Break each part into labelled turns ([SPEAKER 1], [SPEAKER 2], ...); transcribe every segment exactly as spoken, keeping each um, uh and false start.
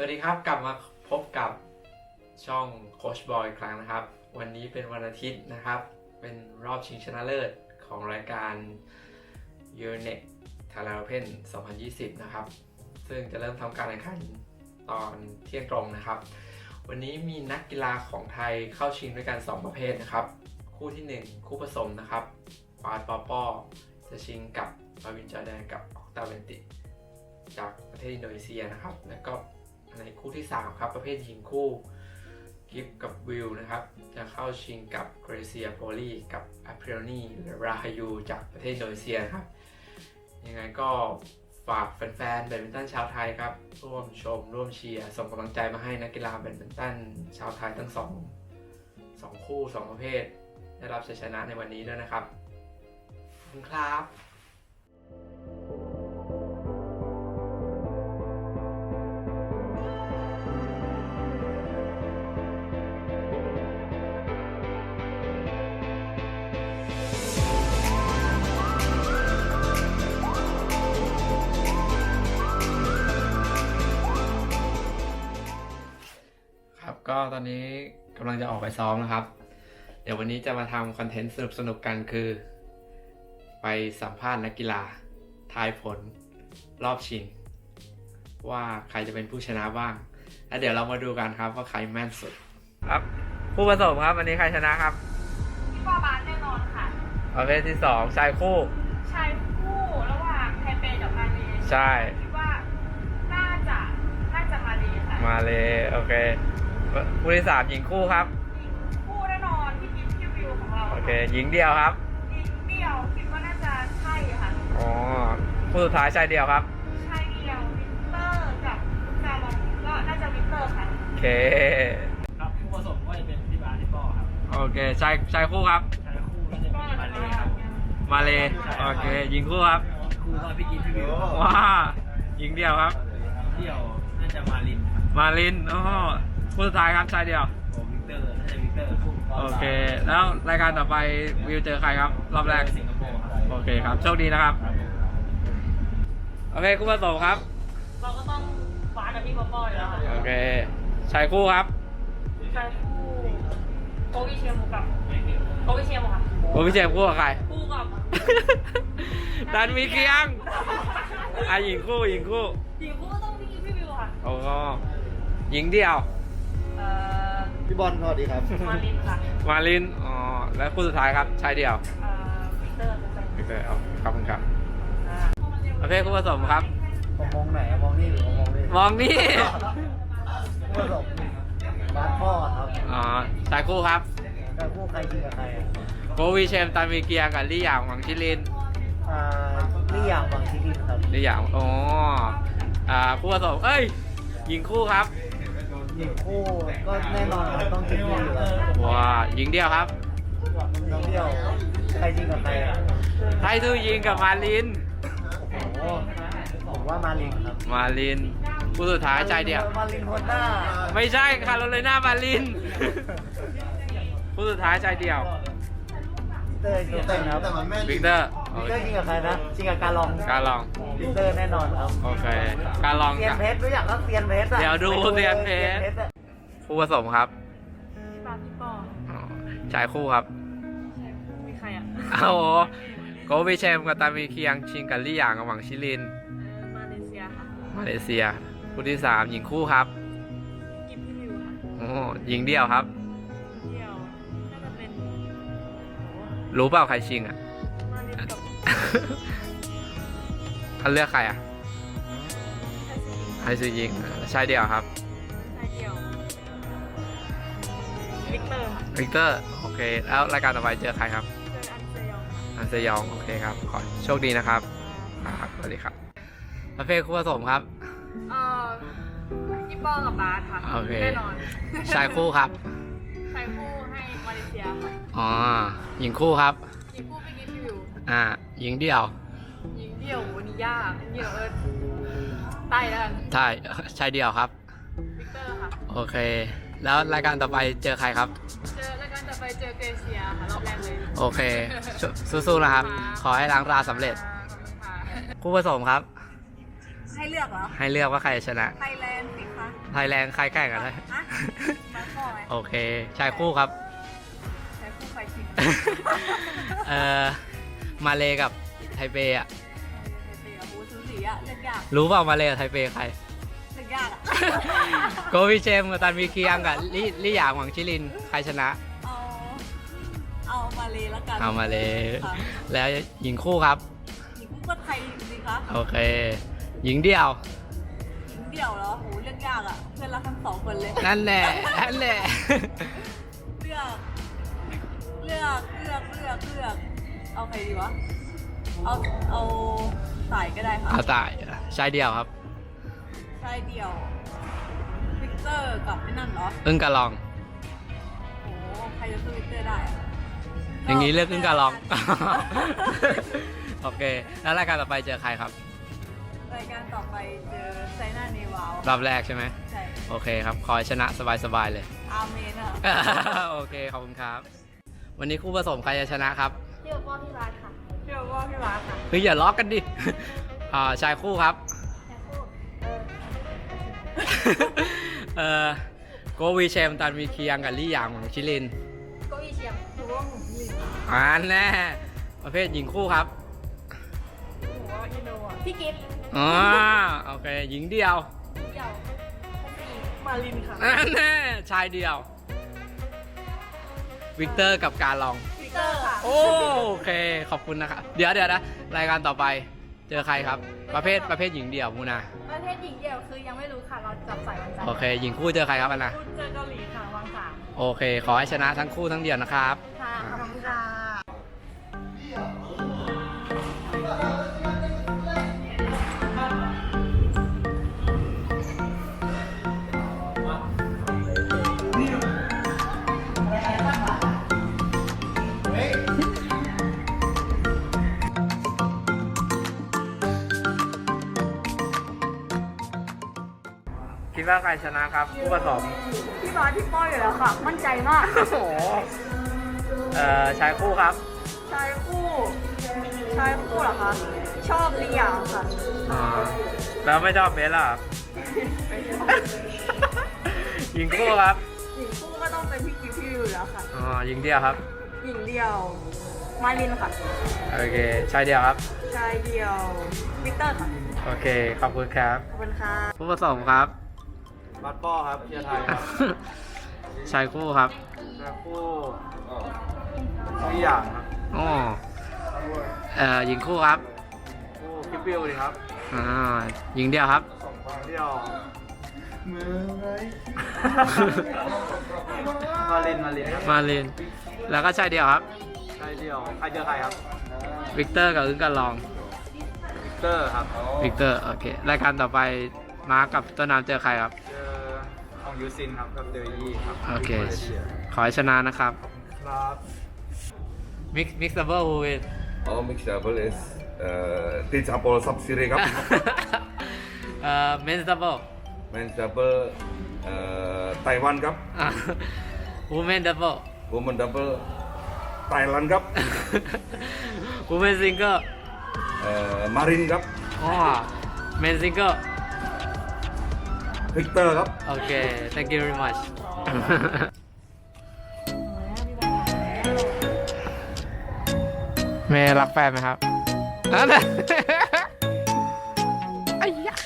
[SPEAKER 1] วัสดีครับกลับมาพบกับช่องโค้ชบอยอีกครั้งนะครับวันนี้เป็นวันอาทิตย์นะครับเป็นรอบชิงชนะเลิศของรายการ Euronext Thailand Open สองพันยี่สิบนะครับซึ่งจะเริ่มทำการแข่งขันตอนเที่ยงตรงนะครับวันนี้มีนักกีฬาของไทยเข้าชิงด้วยกันสองประเภทนะครับคู่ที่หนึ่งคู่ผสมนะครับปาดปอปอจะชิงกับมาวินจอร์แดนกับออกตาเวนติจากประเทศอินโดนีเซียนะครับแล้วก็ในคู่ที่สามครับประเภทหญิงคู่กิฟกับวิลนะครับจะเข้าชิงกับเกรเซียโพลีกับอัพริโอนีหรือราฮายูจากประเทศอินโดนีเซียนะครับยังไงก็ฝากแฟนๆแบดมินตันชาวไทยครับร่วมชมร่วมเชียร์ส่งกำลังใจมาให้นักกีฬาแบดมินตันชาวไทยทั้งสองสองคู่สองประเภทได้รับชัยชนะในวันนี้ด้วยนะครับขอบคุณครับก็ตอนนี้กำลังจะออกไปซ้อมนะครับเดี๋ยววันนี้จะมาทำคอนเทนต์สนุกๆกันคือไปสัมภาษณ์นักกีฬาทายผลรอบชิงว่าใครจะเป็นผู้ชนะบ้างแล้วเดี๋ยวเรามาดูกันครับว่าใครแม่นสุดครับผู้ผสมครับวันนี้ใครชนะครับ
[SPEAKER 2] พี่ปอบาสแน่นอนค่ะ
[SPEAKER 1] ประเภทที่สองชายคู่
[SPEAKER 2] ชายคู่ระหว่างไทเปกับมาเล
[SPEAKER 1] ใช่
[SPEAKER 2] คิดว่าน่าจะน่าจะมาเลค่ะ
[SPEAKER 1] มาเลโอเคคู่ที่สามหญิงคู่ครับ
[SPEAKER 2] หญิงคู่แน่นอนพี่กิ๊ฟพี่วิวของเรา
[SPEAKER 1] โอเคหญิงเดียวครับ
[SPEAKER 2] หญิงเดียวคิดว่าน่าจะใช่ค่ะ
[SPEAKER 1] อ๋อคู่สุดท้ายชายเดียวครับ
[SPEAKER 2] ชายเดียววิกเตอร์กับซาลองก็น่าจะวิกเตอร์ค่ะ
[SPEAKER 1] โอเค
[SPEAKER 3] ครับคู่ผสมก็จะเป็นพี่บาสพี่ป้อครับ
[SPEAKER 1] โอเคชายชายคู่ครับ
[SPEAKER 3] ชายคู่ก็จะเป็นมาเลครับ
[SPEAKER 1] มาเลโอเคหญิงคู่ครับ
[SPEAKER 3] คู่ก็พี่กิ๊ฟพี่วิว
[SPEAKER 1] ว้าหญิงเดียวครับ
[SPEAKER 3] เดียวน่าจะมาลิน
[SPEAKER 1] มาลินอ๋อคู่สุดท้ายครับชายเดียว
[SPEAKER 3] โอ้วิกเตอร์น่าจะวิกเตอร์
[SPEAKER 1] โอเคแล้วรายการต่อไปวิวเจอใครครับรอบแรก
[SPEAKER 3] สิงคโปร์ครับ
[SPEAKER 1] โอเคครับโชคดีนะครับโอเคคู่ผสมครับ
[SPEAKER 2] เราก็ต้องฟาดกับพี่ป๊อปอยแล้วค่ะ
[SPEAKER 1] โอเคชายคู่ครับ
[SPEAKER 2] ชายคู่โกวิเชียมูกับโกวิเชียมูค่ะ
[SPEAKER 1] โกวิเชียมคู่กับใคร
[SPEAKER 2] คู่กับ
[SPEAKER 1] ดันมีเคียงอ่ะหญิงคู่หญิงคู่
[SPEAKER 2] หญิงคู่ก็ต้องพี่กิ๊ฟพี่วิวค่ะ
[SPEAKER 1] โอ้ก็หญิงเดียว
[SPEAKER 3] พี่บอลสวัสดีครับ
[SPEAKER 2] มาลินค่ะ
[SPEAKER 1] มาลินอ๋อแล้วคู่สุดท้ายครับชายเดียว
[SPEAKER 2] วิกเตอร์
[SPEAKER 1] วิกเตอร์เอาขอบคุณครับโอเคคู่ผสมครับ
[SPEAKER 3] ผมมองไหนมองนี่หรือมองนี่
[SPEAKER 1] มองนี่
[SPEAKER 3] คู่ผสมบาสพ่อครับ
[SPEAKER 1] อ๋อชายคู่ครับ
[SPEAKER 3] ชายคู่ใครยิงกับใคร
[SPEAKER 1] โกวีเชมตันมีเกียกับลี่หยางหวังชิลิน
[SPEAKER 3] อ่าลี่หยางหวังชิลินครับ
[SPEAKER 1] ลี่หยางอ๋ออ่าคู่ผสมเอ้ยหญิงคู่ครับ
[SPEAKER 3] หญิงคู่ก็แน่นอนครับต้องชิงคู่อยู่แล้ว
[SPEAKER 1] ว้าหญิงเดียวครับ
[SPEAKER 3] น้องเดียวใครยิงกับใครอ่ะ
[SPEAKER 1] ไททูยิงกับมาลิน
[SPEAKER 3] โอ้โหผมว่ามาลินครับ
[SPEAKER 1] มาลินคู่สุดท้ายใจเดียว
[SPEAKER 3] มาลินคนหน้า
[SPEAKER 1] ไม่ใช่คาร์โรไลนามาลินคู่สุดท้ายใจเดียว
[SPEAKER 3] วิกเตอร์วิกเตอร์ครับ
[SPEAKER 1] วิกเตอร์
[SPEAKER 3] วิกเตอร์ยิงกับใครนะยิงกับการลอง
[SPEAKER 1] การลอง
[SPEAKER 3] วิกเตอร์แน่นอนครับ
[SPEAKER 1] โอเคการลอง
[SPEAKER 3] เซียนเพชรรู้จักก็เซียนเพชร
[SPEAKER 1] เดี๋ยวดูเซียนเพชรคู่ผสมครับ
[SPEAKER 2] พี่ปาพี่ปอ
[SPEAKER 1] ชายคู่ครับ
[SPEAKER 2] ชายคู่มีใครอ่ะ
[SPEAKER 1] เอาโกวิเชมกับตามีเคียงชิงกับลี่หยางกับหวังชิลิน
[SPEAKER 2] มาเลเซียค่ะ
[SPEAKER 1] มาเลเซียคู่ที่สามหญิงคู่ครับ
[SPEAKER 2] กิฟพี่วิวค่ะ
[SPEAKER 1] โอ้หญิงเดี่ยวครับ
[SPEAKER 2] เดี่ยวน่าจะเป็น
[SPEAKER 1] รู้เปล่าใครชิงอ่ะ
[SPEAKER 2] มาลินกับ
[SPEAKER 1] ท่านเลือกใครอ่ะไฮซูยิงชายเดี่ยวครับ
[SPEAKER 2] ชายเดี่ยววิกเตอร์ค่ะ
[SPEAKER 1] วิกเตอร์โอเคแล้วรายการต่อไปเจอใครครับ
[SPEAKER 2] เจออันเซยอง
[SPEAKER 1] อันเซยองโอเคครับขอโชคดีนะครับครับสวัสดีครับประเภทคู่ผสมครับ
[SPEAKER 2] เอ่อพี่ป้อกับบาสค่ะ
[SPEAKER 1] โอเค
[SPEAKER 2] แน่นอน
[SPEAKER 1] ชายคู่ครับ
[SPEAKER 2] ชายคู่ให้มาเลเซียค่ะ
[SPEAKER 1] อ๋อหญิงคู่ครับ
[SPEAKER 2] หญิงคู่พี่กิ๊ฟพี่วิว
[SPEAKER 1] อ่าหญิงเดี่ยว
[SPEAKER 2] หญิงเดี่ยววันนี้ยากเดี่ยวเอิร์ธใต้แล้วกัน
[SPEAKER 1] ใช่ชายเดี่ยวครับ
[SPEAKER 2] วิกเตอร์ค่ะ
[SPEAKER 1] โอเคแล้วรายการต่อไปเจอใครครับ
[SPEAKER 2] เจอรายการต่อไปเจอเกรเซียค่ะรอบแรกเลย
[SPEAKER 1] โอเคสู้ๆนะครับขอให้ล้างตาสำเร็จคู่ผสมครับ
[SPEAKER 2] ให้เลือกเหรอ
[SPEAKER 1] ให้เลือกว่าใครจะชนะ
[SPEAKER 2] ไทยแลนด์สิคะ
[SPEAKER 1] ไทยแลนด์ใครแข่งกันได้
[SPEAKER 2] มาข้อไหม
[SPEAKER 1] โอเคชายคู่ครับ
[SPEAKER 2] ใช้คู่ไฟชิง
[SPEAKER 1] เอ่อมาเลกับไทเปอ่ะ
[SPEAKER 2] เตียบูซูสีอะเลือกยาก
[SPEAKER 1] รู้เปล่ามาเลกับไทเปใคร
[SPEAKER 2] เลือกยากอะ
[SPEAKER 1] โกวิเชมกับตันวีเคียงกับลี่ลี่หยางหวังชิลินใครชนะ
[SPEAKER 2] เอาเอามาเลยแล้วกัน
[SPEAKER 1] เอามาเล
[SPEAKER 2] ค่ะ
[SPEAKER 1] แล้วหญิงคู่ครับ
[SPEAKER 2] หญิงคู่ก็ไทยสิคะ
[SPEAKER 1] โอเค หญิงเดี่ยว
[SPEAKER 2] หญิงเดี่ยวแล้วโหเลือกยากอะเพื่อนรักทั้งสองคนเลย
[SPEAKER 1] นั่นแหละนั่นแหละ
[SPEAKER 2] เลือก เลือกเลือกเลือกเลือกเอาใครดีวะ เอาเอาสายก็ได้ค่ะ
[SPEAKER 1] เอาตายชายเดี่ยวครับ
[SPEAKER 2] ชายเดี่ยววิกเตอร์กับไอ้นั่นเหรอ
[SPEAKER 1] อึ้งกะลอง
[SPEAKER 2] โหใครจะสู้วิกเตอร์ได้อะ
[SPEAKER 1] อย่างนี้เลือกอึ้งกะลอง โอเค แล้วรายการต่อไปเจอใครครับ
[SPEAKER 2] รายการต่อไปเจอไซน่าเนวาว
[SPEAKER 1] รอบแรกใช่ไหม
[SPEAKER 2] ใช่
[SPEAKER 1] โอเคครับ ขอให้ชนะสบายๆเลย
[SPEAKER 2] อาร์เมนอะ
[SPEAKER 1] โอเค ขอบคุณครับ วันนี้คู่ผสมใครจะชนะครับ
[SPEAKER 2] เชื่อว่าพี่รัฐค่ะเชื่อว่าพี่รัฐค่ะ
[SPEAKER 1] เฮ้ยอย่าล้อกันดิ อ่าชายคู่ครับ
[SPEAKER 2] แค่พูดเออ
[SPEAKER 1] เอ่อโกวีเชมตันวีเคียงกับลี่หยางของชิลิน
[SPEAKER 2] เก็อีเชียงถือว่าหมูลิน
[SPEAKER 1] อ่าแน่ประเภทหญิงคู่ครับ
[SPEAKER 2] หมูว่าอินโดอ่ะพี่กิฟต์
[SPEAKER 1] อ๋อโอเค หญิงเดียว
[SPEAKER 2] เดี่ยวมาลินค่ะ
[SPEAKER 1] อ่าแน่ชายเดียว วิกเตอร์กับการลอง
[SPEAKER 2] วิกเตอร์ค่ะ
[SPEAKER 1] โอเค ขอบคุณนะครับ เดี๋ยวเดี๋ยวนะ รายการต่อไปเจอใครครับ ประเภทประเภทหญิงเดี่ยวมูนา
[SPEAKER 2] ประเทศหญิงเดี่ยวคือยังไม่รู้ค่ะ เราจับใส่วันจันทร์
[SPEAKER 1] โอเค หญิงคู่เจอใครครับอันนะ
[SPEAKER 2] พูดเจอเกาหลีค่ะวางสาม
[SPEAKER 1] โอเค ขอให้ชนะทั้งคู่ทั้งเดี่ยวนะครับ
[SPEAKER 2] ค่ะขอบคุณค่ะ
[SPEAKER 1] คิดว่าใครชนะครับคู่ผสม
[SPEAKER 2] พี่บอสพี่ป้อยอยู่แล้วค่ะ มั่นใจมาก
[SPEAKER 1] โอ้โหเอ่อชายคู่ครับ
[SPEAKER 2] ชายคู่ชายคู่เหรอคะ ชอบเลียงค่ะ
[SPEAKER 1] อ่าแล้วไม่ชอบเบสล่ะ หญิงคู่ครับ
[SPEAKER 2] หญิงคู่ก็ต้องเป็นพี่กิฟพี่อยู่แล้วค่ะ
[SPEAKER 1] อ๋อหญิงเดียวครับ
[SPEAKER 2] หญิงเดียวมาลินค่ะ
[SPEAKER 1] โอเค ชายเดียวครับ
[SPEAKER 2] ชายเดียววิกเตอร์ค่ะ
[SPEAKER 1] โอเค ขอบคุณครับ
[SPEAKER 2] ขอบคุณค่ะ
[SPEAKER 1] คู่ผสมครับ
[SPEAKER 3] บัตป้อครับเชียร์ไทยครับ
[SPEAKER 1] ชายคู่ครับ
[SPEAKER 3] ชายคู่ทุกอย่างครับ
[SPEAKER 1] อ๋อเอ่อหญิงคู่ครับ
[SPEAKER 3] คู่คิปปิวดีครับ
[SPEAKER 1] อ่าหญิงเดียวครับ
[SPEAKER 3] สองคนเดียวเมื่อไรมาลินมาลินครับ
[SPEAKER 1] มาลิน แล้วก็ชายเดียวครับ
[SPEAKER 3] ใครเดียวใครเจอใครครับ
[SPEAKER 1] วิกเตอร์กับอึ้งกันลอง
[SPEAKER 3] วิกเตอร์ครับ
[SPEAKER 1] วิกเตอร์ โอเค รายการต่อไปมาร์คกับต้นน้ำเจอใครครับ
[SPEAKER 3] เจอของยูซินครับกับเดอยี่ครับ
[SPEAKER 1] โอเค
[SPEAKER 3] มาลชีย
[SPEAKER 1] ขอให้ชนะนะครับ
[SPEAKER 3] ครับ
[SPEAKER 1] มิกมิกซ์ดับเบิลฮูวิน
[SPEAKER 4] Oh, mixed double is uh, teach Apollo sub series ครับ
[SPEAKER 1] เอ่อเมนส์ดับเบิล
[SPEAKER 4] men's double เอ่อไต้หวันครับ
[SPEAKER 1] วูแมนดับเบิล
[SPEAKER 4] women double ไต้หวันครับ
[SPEAKER 1] วูแมนซิงเกิล
[SPEAKER 4] เอ่อมารินครับ
[SPEAKER 1] อ๋อเมนซิงเกิล
[SPEAKER 4] วิกเตอร์ครับ
[SPEAKER 1] โอเค thank you very much เมย์รักแฟนไหมครับนั่นแหละไอ้ยะ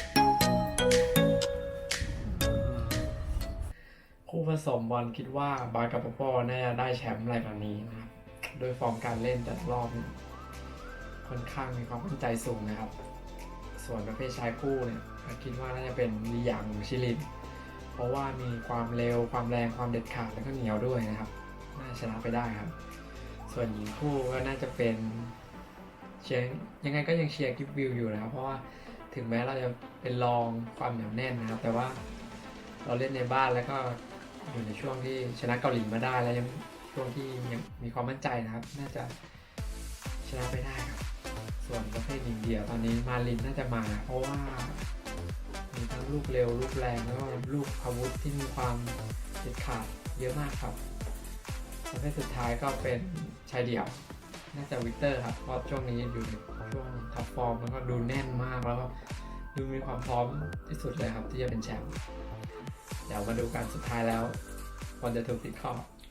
[SPEAKER 1] คู่ผสมบอลคิดว่าบาสกับปอปอน่าจะได้แชมป์รายการนี้นะครับ โดยฟอร์มการเล่นแต่ละรอบเนี่ยค่อนข้างมีความมั่นใจสูงนะครับ ส่วนประเภทชายคู่เนี่ยคิดว่าน่าจะเป็นลีหยางหรือชิลิน เพราะว่ามีความเร็วความแรงความเด็ดขาดแล้วก็เหนียวด้วยนะครับ น่าชนะไปได้ครับ ส่วนหญิงคู่ก็น่าจะเป็นเชียร์ยังไงก็ยังเชียร์กิฟวิวอยู่นะครับ เพราะว่าถึงแม้เราจะเป็นรองความเหนียวแน่นนะครับ แต่ว่าเราเล่นในบ้านแล้วก็อยู่ในช่วงที่ชนะเกาหลีมาได้แล้วยังช่วงที่ยังมีความมั่นใจนะครับ น่าจะชนะไปได้ครับ ส่วนประเภทหญิงเดี่ยวตอนนี้มาลินน่าจะมา เพราะว่ามีทั้งลูกเร็วลูกแรงแล้วก็ลูกอาวุธที่มีความเด็ดขาดเยอะมากครับประเภทสุดท้ายก็เป็นชายเดี่ยว น่าจะวิกเตอร์ครับเพราะช่วงนี้อยู่ในช่วงท็อปฟอร์มแล้วก็ดูแน่นมากแล้วก็ดูมีความพร้อมที่สุดเลยครับที่จะเป็นแชมป์เดี๋ยวมาดูกันสุดท้ายแล้วคนจะถูกติดข้อ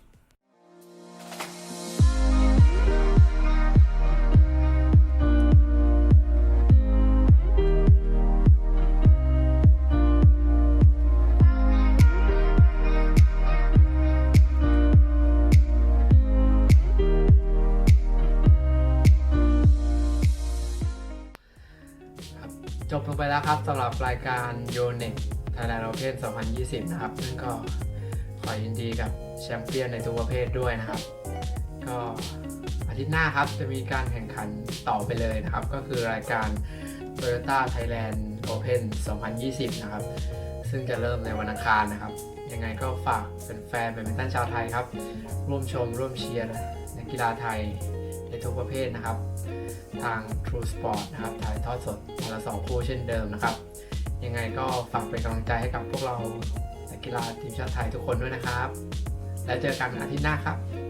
[SPEAKER 1] จบลงไปแล้วครับสำหรับรายการ Yonex Thailand Open สองพันยี่สิบ นะครับซึ่งก็ขอยินดีกับแชมเปี้ยนในทุกประเภทด้วยนะครับก็อาทิตย์หน้าครับจะมีการแข่งขันต่อไปเลยนะครับก็คือรายการ Toyota Thailand Open สองพันยี่สิบ นะครับซึ่งจะเริ่มในวันอังคารนะครับยังไงก็ฝากเป็นแฟนแบดมินตันชาวไทยครับร่วมชมร่วมเชียร์นักกีฬาไทยในทุกประเภทนะครับทาง True Sport นะครับถ่ายทอดสดวันละสองคู่เช่นเดิมนะครับยังไงก็ฝากเป็นกำลังใจให้กับพวกเรานักกีฬาทีมชาติไทยทุกคนด้วยนะครับแล้วเจอกันอาทิตย์หน้าครับ